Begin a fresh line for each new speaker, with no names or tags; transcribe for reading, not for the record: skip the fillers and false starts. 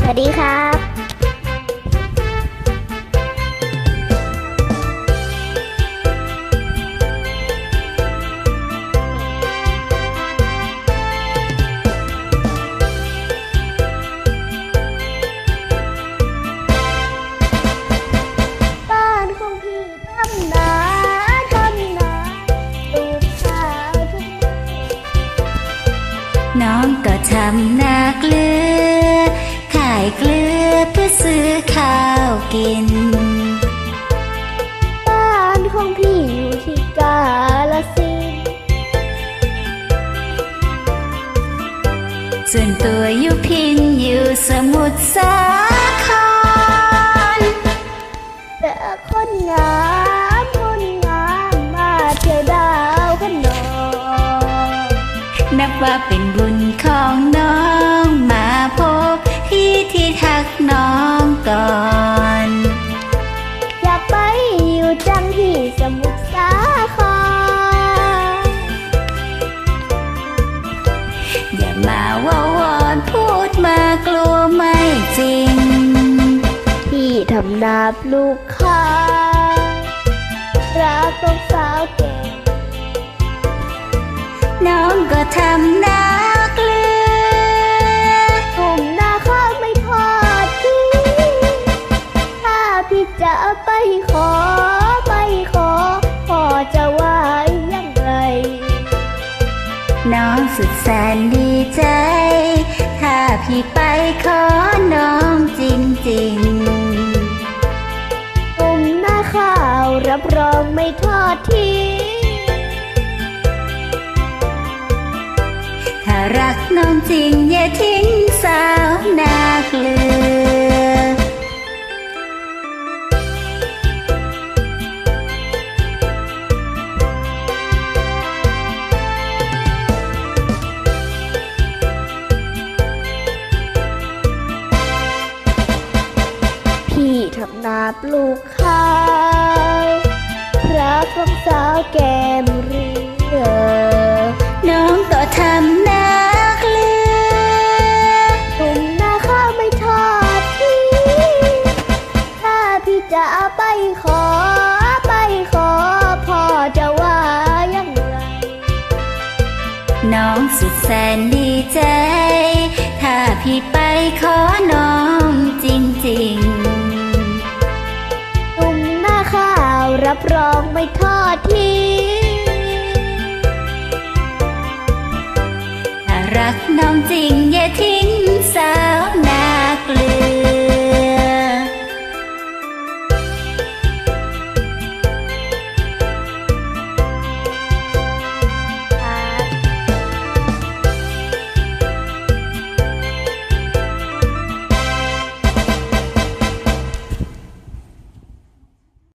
สวัสดีครับบ้านของพี่ทำนาปลูกข้าวทุกวัน
น้องก็ทำนาเกลือขายเกลือเพื่อซื้อข้าวกิน
บ้านของพี่อยู่ที่กาฬสินธุ์
ส่วนตัวอยู่พินอยู่สมุทรสาคร
แต่คนงามมาเที่ยวดาวขนอง
นับว่าเป็นบุญของน้องมาพบพี่ที่ทักน้องก่อน
อยากไปอยู่จังที่สมุทรสาคร
อย่ามาว่าวอนพูดมากลัวไม่จริง
พี่ทำนาปลูกข้าวรักต้องสาวแก่
น้องก็ทำนาเกลื
อกลุ่มนาข้าวไม่ทอดทิ้งถ้าพี่จะไปขอพ่อจะว่ายังไง
น้องสุดแสนดีใจ ถ้าพี่ไปขอน้องจริง
ๆกลุ่มนาข้าวรับรองไม่ทอดทิ้ง
ถ้ารักน้องจริงอย่าทิ้งสาวนาเกลือ
พี่ทำนาปลูกข้าวรักของสาวแก้มเรือ
น้องก็ทำนาเกลื
อกลุ่มนาข้าวไม่ทอดทิ้งถ้าพี่จะไปขอพ่อจะว่ายังไง
น้องสุดแสนดีใจ ถ้าพี่ไปขอน้องจริง
ๆกลุ่มนาข้าวรับรองไม่ทอดทิ้ง
ถ้ารักน้องจริง